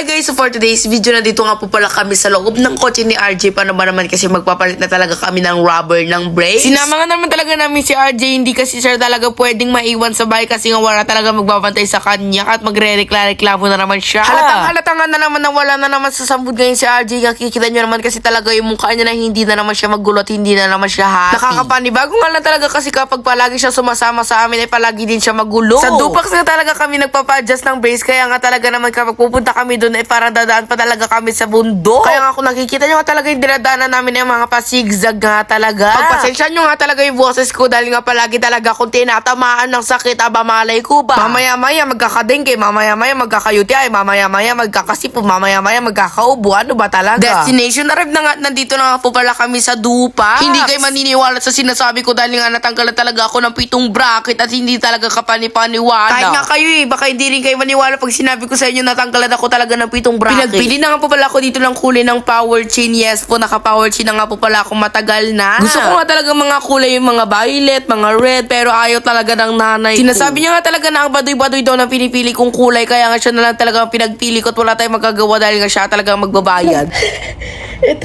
Hi guys, so for today's video, nandito nga po pala kami sa loob ng kotse ni RJ. Paano ba naman kasi magpapalit na talaga kami ng rubber ng brakes? Sinama nga naman talaga namin si RJ, hindi kasi siya talaga pwedeng maiwan sa bahay kasi nga wala talaga magbabantay sa kanya at magre-reklamo na naman siya. Halatang nga na naman na wala na naman sa sambud ngayon si RJ. Nakikita nyo naman kasi talaga yung mukha niya na hindi na naman siya magulo at hindi na naman siya happy. Nakakapanibago nga lang talaga kasi kapag palagi siya sumasama sa amin ay palagi din siya magulo. Sa Dupax nga talaga kami nagpapa-adjust ng brakes, kaya nga talaga naman kapag pupunta kami doon ay parang dadaan pa talaga kami sa bundok. Kaya nga kung nakikita nyo nga talaga yung dinadaanan namin ay mga pasigzag nga talaga. Pagpasensya nyo nga talaga yung boses ko dahil nga palagi talaga kung tinatamaan ng sakit, aba malay ko ba? Mamaya-maya magkakadengke, mamaya-maya magkaka-UTI, mamaya-maya magkakasipo, mamaya-maya magkakaubo. Ano ba talaga? Destination arrive na nga, nandito na nga po pala kami sa Dupax. Hindi kayo maniniwala sa sinasabi ko dahil nga natanggal na talaga ako ng 7 bracket at hindi talaga kapanipaniwala. Kahit nga kayo baka hindi rin kayo maniwala pag sinabi ko sa inyo natanggalan ako talaga ng 7 bracket. Pinagpili na nga po pala ako dito ng kulay ng power chain. Yes po, naka-power chain na nga po pala ako matagal na. Gusto ko nga talaga mga kulay yung mga violet, mga red, pero ayaw talaga ng nanay ko. Sinasabi niya nga talaga na ang baduy-baduy daw ng pinipili kong kulay, kaya nga siya na lang talaga ang pinagpili ko at wala tayong magagawa dahil nga siya talaga magbabayad. Ito.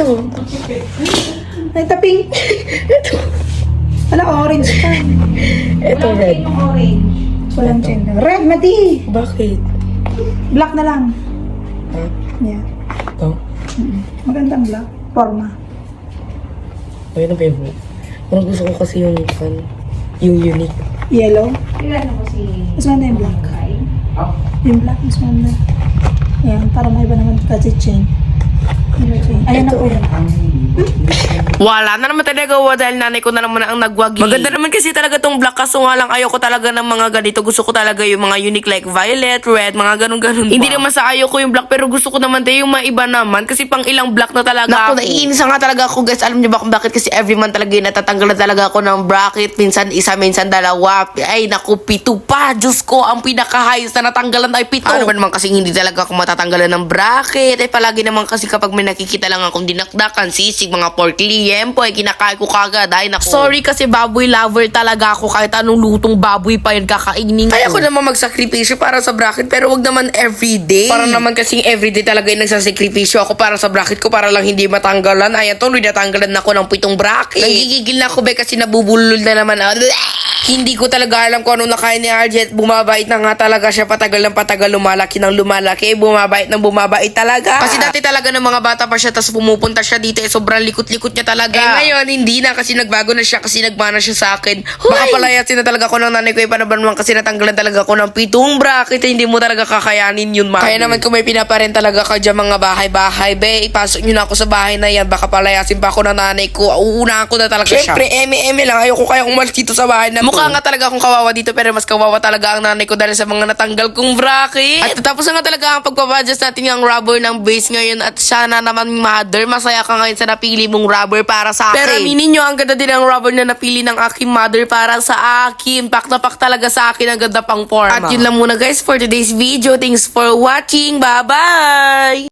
Ay, taping. Ito. Wala, orange pa. Ito, red. Walang chain. Red, mati. Bakit? Black na lang. Huh? Yeah. Ito? Magandang black. Forma. Ayun ang favorite. Parang gusto ko kasi yung unique. Yellow. Ilan mo si... Mas maganda yung black. Yung black, mas maganda. Ayan, para may iba naman kasi chain. Ayan ako. Wala na naman talaga dahil nanay ko na naman ang nagwagi. Maganda naman kasi talaga tong black, kaso nga lang ayoko talaga ng mga ganito. Gusto ko talaga yung mga unique like violet, red, mga ganun-ganun. Hindi naman sa ayoko yung black, pero gusto ko naman tayo yung mga iba naman kasi pang ilang black na talaga ako. Naiinis nga talaga ako guys. Alam niyo ba kung bakit? Kasi every month talaga natatanggal na talaga ako ng bracket. Minsan isa, minsan dalawa. Ay naku, 7 pa. Diyos ko, ang pinaka-highest na natanggalan ay 7. Ano ba naman kasi hindi talaga ako matatanggalan ng bracket. Ay palagi naman kasi kapag may nakikita lang akong dinakdakan, sisig, mga pork liempo, ay kinakain ko kagad. Ay naku. Sorry kasi baboy lover talaga ako. Kahit anong lutong baboy pa yun kakainin ko. Kaya ko naman magsakripisyo para sa bracket, pero wag naman everyday. Para naman kasing everyday talaga yung nagsasakripisyo ako para sa bracket ko para lang hindi matanggalan. Ayan, tuloy natanggalan ako ng 7 bracket. Nagigigil na ako be kasi nabubulol na naman. Hindi ko talaga alam kung anong nakain ni RJ. Bumabait na nga talaga siya, patagal ng patagal, lumalaki ng lumalaki, bumabait ng bumabait talaga. Kasi dati talaga ng mga bata pa siya, tapos pumupunta siya dito, sobrang likot-likot niya talaga. Ngayon, hindi na kasi nagbago na siya kasi nagmana siya sa akin. Baka palayasin na talaga ako ng nanay ko, paano ba naman kasi natanggalan talaga ako ng 7 bracket, hindi mo talaga kakayanin yun, man. Kaya naman kung may pinaparen talaga ka dyan mga bahay-bahay, be, ipasok nyo na ako sa bahay na yan, baka palayasin pa ako ng nanay ko, uunahan ko na talaga siya. Siyempre, eme lang, ayoko kaya umalis dito sa bahay na mukha nga talaga akong kawawa dito, pero mas kawawa talaga ang nanay ko dahil sa mga natanggal kong bracket. At tapos na nga talaga ang pagpapadjust natin yung rubber ng base ngayon, at sana naman mother, masaya ka ngayon sa napili mong rubber para sa akin. Pero aminin nyo, ang ganda din ang rubber na napili ng aking mother para sa akin. Pak na pak talaga sa akin, ang ganda pang forma. At yun lang muna guys for today's video. Thanks for watching. Bye-bye!